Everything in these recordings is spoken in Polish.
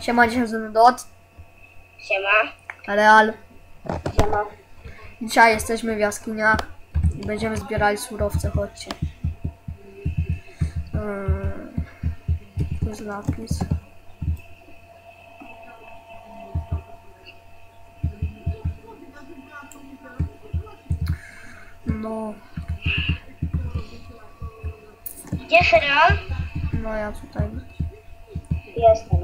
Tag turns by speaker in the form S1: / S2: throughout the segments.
S1: Siema, dzisiaj ze mną Dot.
S2: Siema.
S1: Real.
S2: Siema.
S1: Dzisiaj jesteśmy w jaskiniach i będziemy zbierali surowce, chodźcie. Tu jest lapis. No.
S2: Gdzie Real?
S1: No ja tutaj.
S2: Jestem.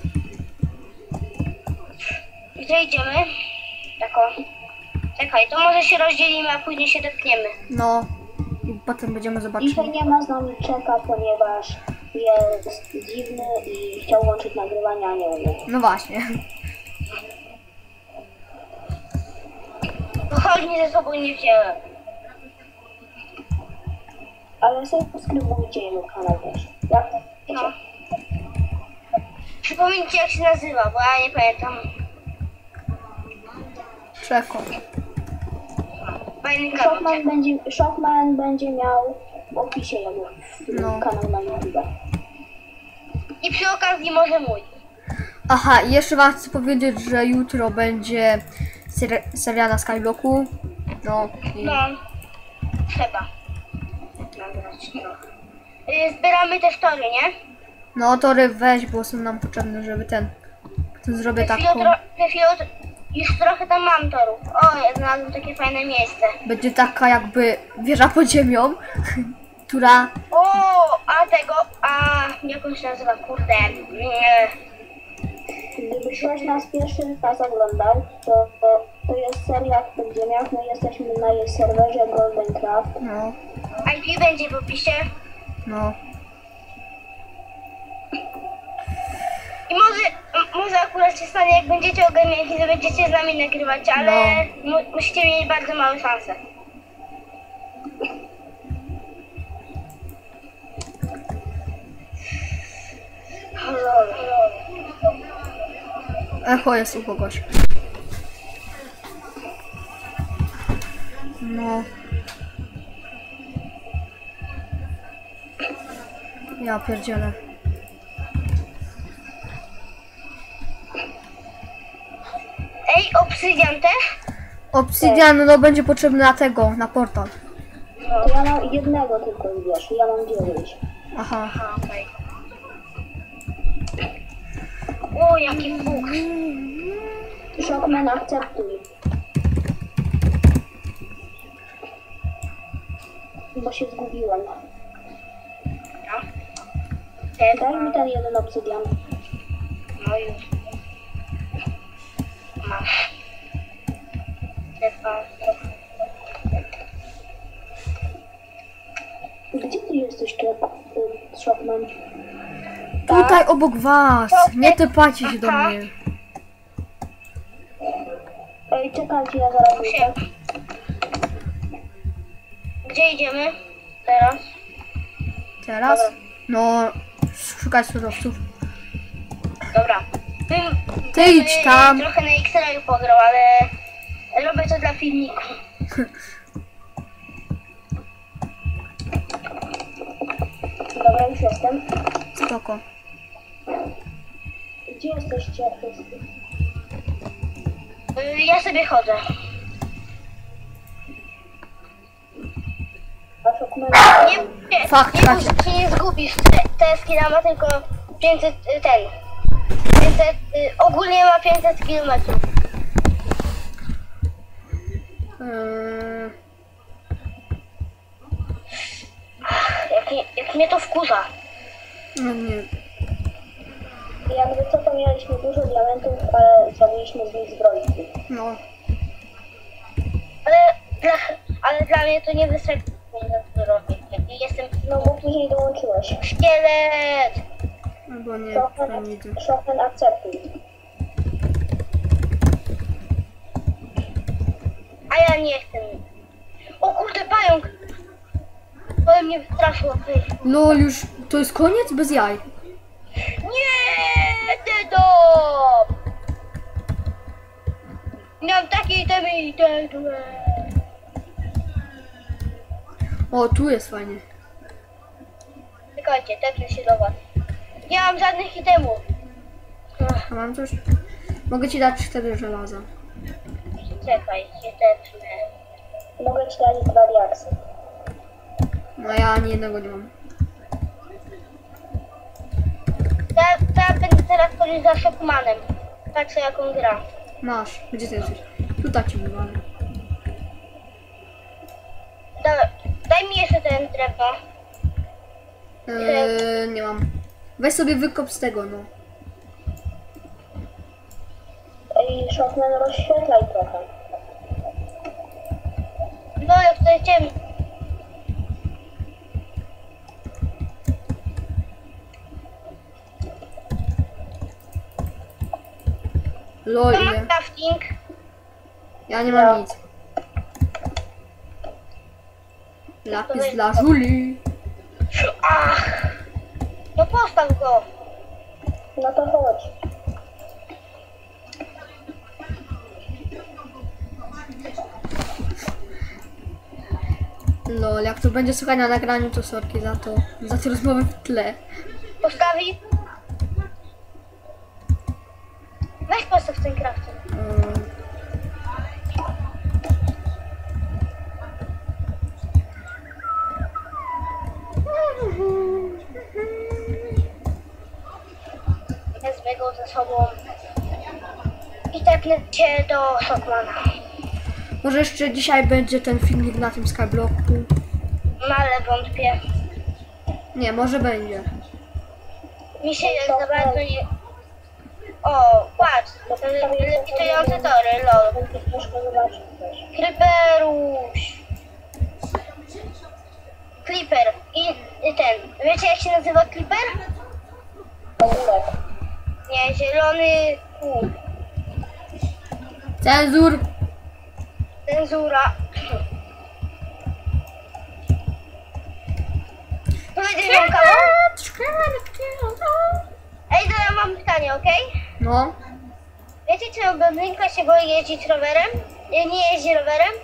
S2: Gdzie idziemy? Tako. Czekaj, to może się rozdzielimy, a później się dotkniemy.
S1: No. I potem będziemy zobaczyć.
S3: Dzisiaj nie ma z nami Czeka, ponieważ jest dziwny i chciał łączyć nagrywania, a nie umie.
S1: No właśnie.
S2: Pochodni ze sobą nie wziąłem.
S3: Ale sobie subskrybujcie jego kanał też. Jak to wiecie?
S2: No. Przypomnijcie jak się nazywa, bo ja nie pamiętam.
S1: Czeko.
S2: Fajny kanał.
S3: Shockman będzie miał w opisie jego
S1: No.
S3: kanał na YouTube.
S2: I przy okazji może mój.
S1: Aha, i jeszcze wam chcę powiedzieć, że jutro będzie seria na Skyblocku. No. I...
S2: No. Trzeba. Nagrać trochę. Zbieramy też tory, nie?
S1: No tory weź, bo są nam potrzebne, żeby ten... Zrobię taką...
S2: Już trochę tam mam torów. O, ja znalazłem takie fajne miejsce.
S1: Będzie taka jakby wieża pod ziemią, która...
S2: O, jak on się nazywa, kurde.
S3: Gdyby ktoś nas pierwszy raz oglądał, to jest seria w podziemiach. My jesteśmy na jej serwerze Goldencraft.
S1: No,
S2: IP będzie w opisie.
S1: no.
S2: I może akurat się stanie, jak będziecie ogarnięci, że będziecie z nami nagrywać, ale musicie mieć bardzo małe szanse.
S1: Echo jest u kogoś. No. Ja pierdzielę.
S2: Ej, obsydian też?
S1: Obsydian no będzie potrzebny na tego, na portal.
S3: To ja mam jednego tylko, wiesz, ja mam 9.
S1: Aha.
S2: Aha, okej. O, jaki fuks.
S3: Shockman, akceptuj. Bo się zgubiłem. Daj mi ten jeden obsydian.
S2: No już. Masz.
S3: Gdzie ty jesteś, Shockman?
S1: Tutaj obok was. Nie typacie się do
S2: Aha.
S1: mnie.
S3: Ej, czekajcie, ja zaraz wyjdę.
S2: Gdzie idziemy teraz?
S1: Teraz? No, szukać surowców.
S2: Dobra.
S1: Ty idź tam.
S2: Trochę na X-rayu pograł, ale robię to dla filmiku.
S3: Dobra, już jestem.
S1: Spoko.
S3: Gdzie jesteście wszyscy?
S2: Ja sobie chodzę.
S3: A Shockman...
S2: Nie,
S1: Fakt,
S2: nie, się nie zgubisz. Te skilla ma tylko 500, 500, ogólnie ma 500 km. Jak mnie to wkurza.
S1: No nie.
S3: Jakby co, to mieliśmy dużo diamentów, ale zrobiliśmy z nich zbrojki.
S1: No.
S2: Ale dla mnie to nie wystarczy, żeby robić. Jestem
S3: No bo później dołączyłeś.
S2: szkielet.
S1: Albo nie, to nie idę.
S3: Shockman, akceptuj.
S2: A ja nie chcę. O kurde, pająk! To mnie wystraszyło.
S1: No już, to jest koniec? Bez jaj.
S2: Nie, Dedo! Miałem takie itemy i te złe.
S1: O, tu jest fajnie.
S2: Czekajcie, tepnę się do was. Nie mam żadnych itemów.
S1: A mam coś? Mogę ci dać 4 żelaza.
S2: Czekaj, się tepnę.
S3: Mogę ci dać 2 diaksy.
S1: No ja ani jednego nie mam.
S2: Ja będę teraz chodzić za Shockmanem. Patrzę jak on gra.
S1: Masz. Gdzie ty jesteś? Tutaj ci wywalę.
S2: Daj mi jeszcze ten drewno.
S1: Nie mam. Weź sobie wykop z tego, no.
S3: Ej, Shockman, rozświetlaj trochę.
S2: No jak tutaj ciemno.
S1: Lol,
S2: To ma
S1: ile?
S2: crafting.
S1: Ja nie mam nic. Lapis dla Żuli.
S2: Ach! No postaw go.
S3: No to chodź.
S1: Lol, jak to będzie słuchać na nagraniu, to sorki za to. Za te rozmowy w tle.
S2: Postawi. Weź postaw ten crafting. Wezmę go ze sobą. I tepnę cię do Shockmana.
S1: Może jeszcze dzisiaj będzie ten filmik na tym Skyblocku.
S2: No ale wątpię.
S1: Nie, może będzie.
S2: Mi się jak za bardzo nie... O, patrz, lewitujące tory, lol.
S3: Będziesz troszkę zobaczyć też.
S2: Creeperuś. Creeper. I ten. Wiecie jak się nazywa Creeper?
S3: Ogórek.
S2: Nie, zielony pół.
S1: Cenzur!
S2: Cenzura. Powiedzieć wam kawał? Ej, to ja mam pytanie, okej?
S1: No,
S2: Wiecie, czy blondynka się boi jeździć rowerem? Nie jeździ rowerem,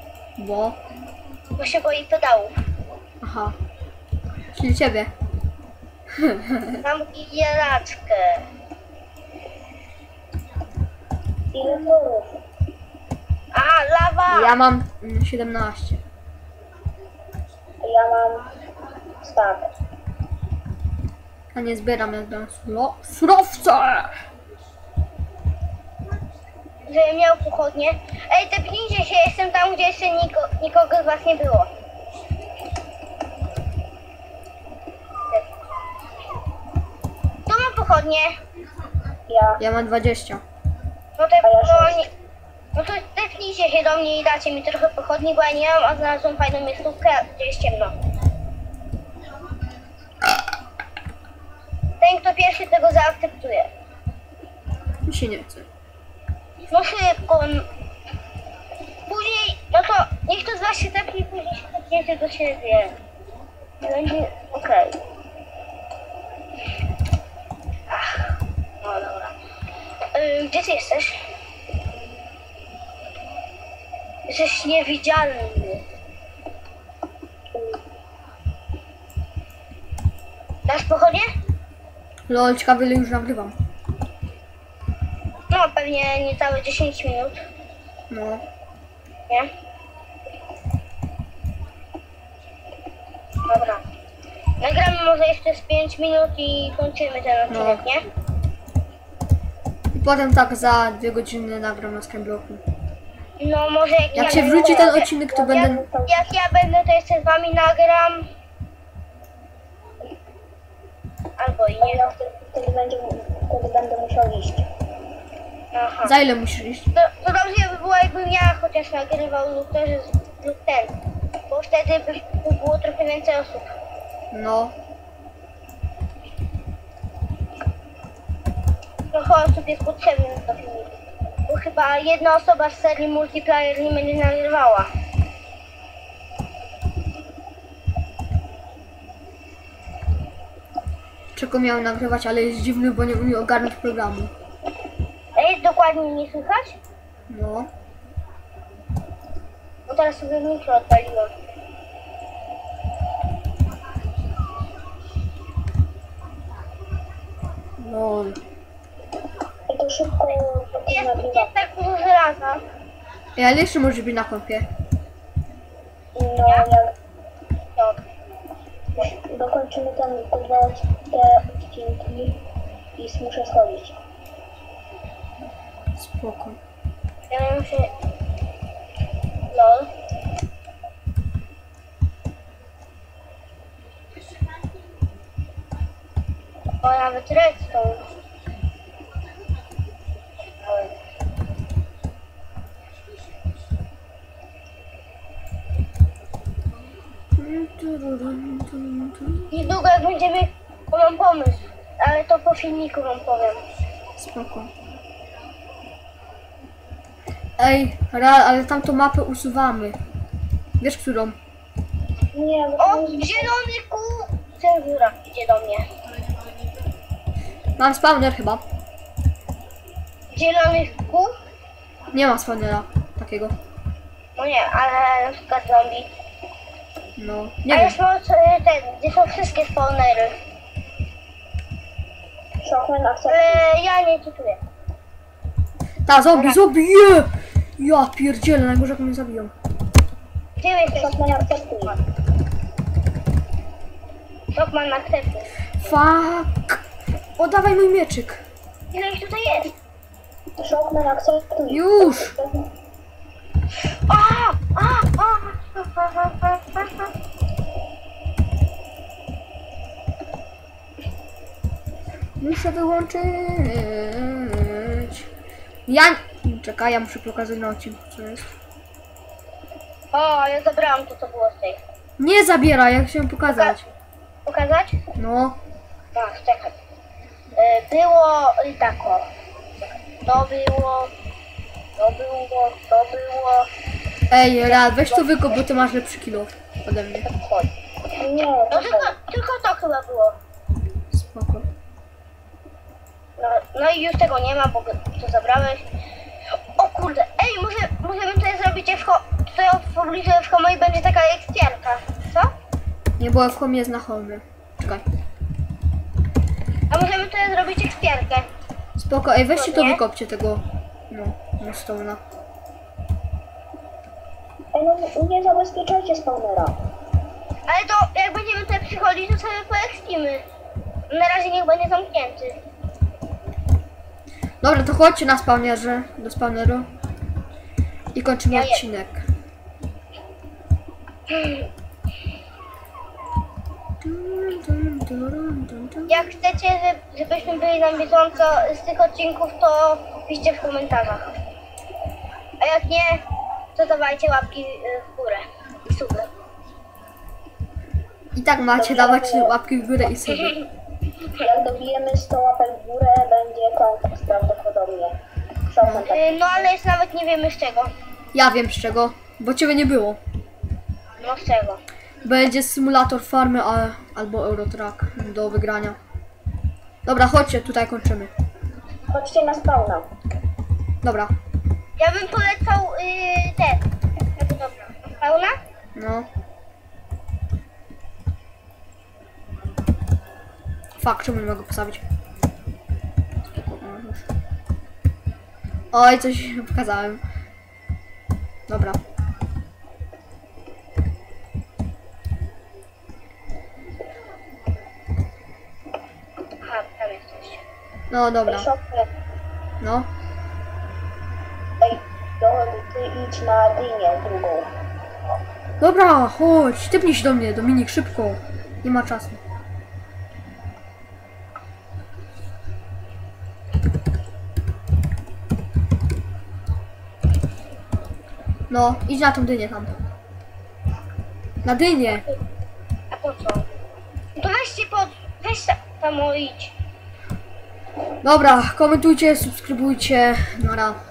S2: bo się boi pedałów.
S1: aha. Czyli ciebie.
S2: Mam jelaczkę.
S3: Ile torów?
S2: A, lawa!
S1: Ja mam 17.
S3: Ja mam stack.
S1: A nie zbieram jak dam surowce!
S2: Żebym miał pochodnie. Ej, tepnijcie się, jestem tam, gdzie jeszcze nikogo z was nie było. Tu mam pochodnie.
S3: Ja.
S1: Ja mam 20.
S2: No,
S3: A ja
S2: no,
S3: sześć.
S2: no to tepnijcie się do mnie i dacie mi trochę pochodni, bo ja nie mam, a znalazłem fajną miejscówkę, gdzie jest ciemno. Ten, kto pierwszy tego zaakceptuje.
S1: Mi się nie chce.
S2: No szybko. Później, no to niech to z was się tepnie, później się tepniecie do siebie. Będzie okej. Ach, no dobra. Gdzie ty jesteś? Jesteś niewidzialny. Dasz pochodnie?
S1: Lol, ciekawe ile już nagrywam.
S2: No pewnie niecałe 10 minut,
S1: No.
S2: nie? Dobra. Nagramy może jeszcze z 5 minut i kończymy ten odcinek,
S1: No.
S2: nie?
S1: I potem tak za 2 godziny nagram na Skyblocku.
S2: No może jak
S1: Jak
S2: ja
S1: się
S2: będę-
S1: wróci ten odcinek, to będę...
S2: Jak ja będę, to jeszcze z wami nagram. Albo i nie.
S3: Ja wtedy będę musiał iść.
S2: Aha.
S1: Za ile musisz iść?
S2: To dobrze by było, jakbym ja chociaż nagrywał lub też lub ten. Bo wtedy by było trochę więcej osób.
S1: No.
S2: Trochę osób jest potrzebnych do filmiku. Bo chyba jedna osoba z serii multiplayer nie będzie nagrywała.
S1: Czego miałem nagrywać, ale jest dziwny, bo nie umie ogarnąć programu.
S2: Ej, dokładnie nie słychać?
S1: No.
S2: Bo teraz sobie mikro odpaliłam.
S1: Lol.
S3: to szybko
S2: Jest tak dużo żelaza.
S1: Ej, ale jeszcze może być na kompie.
S3: No, jak
S2: No.
S3: dokończymy te odcinki i muszę schodzić.
S1: Spoko.
S2: Ja muszę... LOL. O, nawet redstone. Niedługo jak będziemy... Bo mam pomysł, ale to po filmiku wam powiem.
S1: Spoko. Ej, Real, ale tamtą mapę usuwamy. Wiesz którą?
S3: Nie, bo
S2: O, zielony kół! Cenzura idzie do mnie.
S1: Mam spawner chyba.
S2: Zielony kół?
S1: Nie ma spawnera takiego.
S2: No nie, ale na przykład zombie.
S1: No,
S2: A
S1: nie wiem.
S2: jest ten, gdzie są wszystkie spawnery.
S3: Shockman akceptuje.
S2: Ja nie czytuję.
S1: Ta, zombie, je! Ja pierdzielę, najgorzej jak mnie zabiją.
S2: Gdzie jesteś?
S3: Shockman akceptuje.
S2: Shockman akceptuje.
S1: Fuck! Oddawaj mój mieczyk.
S2: Ile ich tutaj jest?
S3: Shockman akceptuje.
S1: Już! Muszę wyłączyć. Ja... Czekaj, ja muszę pokazać na odcinku, co jest.
S2: O, ja zabrałam to, co było z tej.
S1: Nie zabieraj, ja chciałem pokazać.
S2: Pokazać?
S1: No,
S2: Tak, czekaj. Było tak o. To było. To było. To było.
S1: ej, Real, weź to wykop, bo ty masz lepszy kilo ode mnie.
S2: Chodź.
S3: Nie,
S2: No tylko to chyba było.
S1: Spoko.
S2: No i już tego nie ma, bo to zabrałeś. O kurde, ej, możemy tutaj zrobić tutaj w pobliżu FHM i będzie taka ekspiarka. Co?
S1: Nie, bo w home jest na home. Czekaj.
S2: A możemy tutaj zrobić ekspiarkę.
S1: Spoko, ej, weźcie to
S2: Nie?
S1: wykopcie tego. No, stołna.
S3: Ej, no nie zabezpieczajcie spawnera.
S2: Ale to jak będziemy tutaj przychodzić, to sobie poekspimy. Na razie niech będzie zamknięty.
S1: Dobra, to chodźcie na spawnerze, do spawneru. I kończymy
S2: Ja je-
S1: odcinek.
S2: Jak chcecie, żebyśmy byli na bieżąco z tych odcinków, to piszcie w komentarzach. A jak nie, to dawajcie łapki w górę i suby.
S1: I tak macie dawać łapki w górę i sobie.
S3: Jak dobijemy 100 łapek w górę, będzie konkurs prawdopodobnie. Shockman tak.
S2: No ale jeszcze nawet nie wiemy z czego.
S1: Ja wiem z czego, bo ciebie nie było.
S2: No z czego.
S1: Będzie symulator farmy albo Eurotrack do wygrania. Dobra, chodźcie, tutaj kończymy.
S3: Chodźcie na spawna.
S1: Dobra,
S2: Ja bym polecał ten. Dobra, pełna?
S1: no. Fuck, czemu nie mogę postawić? Spoko, no już. Oj, coś pokazałem. Dobra.
S2: Aha, tam jesteś.
S1: No dobra,
S3: Shockman,
S1: no.
S3: ej, ty idź na dynię drugą.
S1: Dobra, chodź, typnij się do mnie, Dominik, szybko. Nie ma czasu. No, idź na tą dynię tam. Na dynię.
S2: A po co? To weź tam idź.
S1: Dobra, komentujcie, subskrybujcie. Nara.